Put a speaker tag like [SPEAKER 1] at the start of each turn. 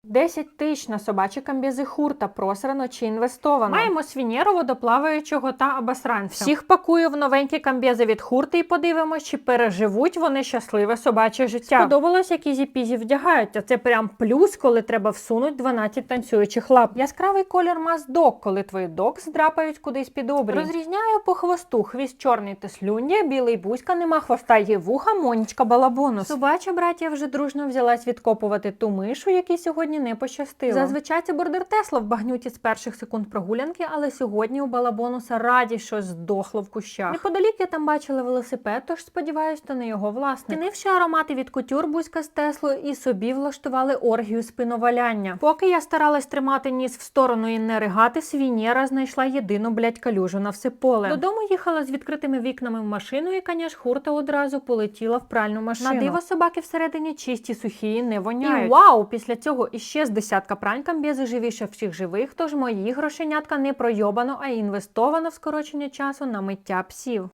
[SPEAKER 1] 10 тисяч на собачі камбізи Хурта, просрано чи інвестовано. Маємо свінєру, водоплаваючого та обосранця. Всіх пакую в новенькі камбізи від Хурти і подивимось, чи переживуть вони щасливе собаче життя. Сподобалось, як ізі-пізі вдягаються. Це прям плюс, коли треба всунуть 12 танцюючих лап. Яскравий колір маз-дог, коли твої дог здрапають кудись під обрій. Розрізняю по хвосту. Хвіст чорний та слюндя, білий бузька, нема хвоста, є вуха, Монічка балабонус. Собача братія вже дружно взялась відкопувати ту мишу, якій сьогодні не пощастило. Зазвичай це бордер Тесла в багнюті з перших секунд прогулянки, але сьогодні у балабонуса раді щось здохло в кущах. Неподалік я там бачила велосипед, тож сподіваюсь, то не його власник. Цінивши аромати від кутюр, бузька з Теслою і собі влаштували оргію спиноваляння. Поки я старалась тримати ніс в сторону і не ригати, свінєра знайшла єдину, калюжу на все поле. Додому їхала з відкритими вікнами в машину, і, конечно, Хурта одразу полетіла в пральну машину. На диво собаки всередині чисті, сухі і не воняють. І вау! Після цього іще з десятка прань камбізи живіше всіх живих, тож мої грошенятка не пройобано, а інвестовано в скорочення часу на миття псів.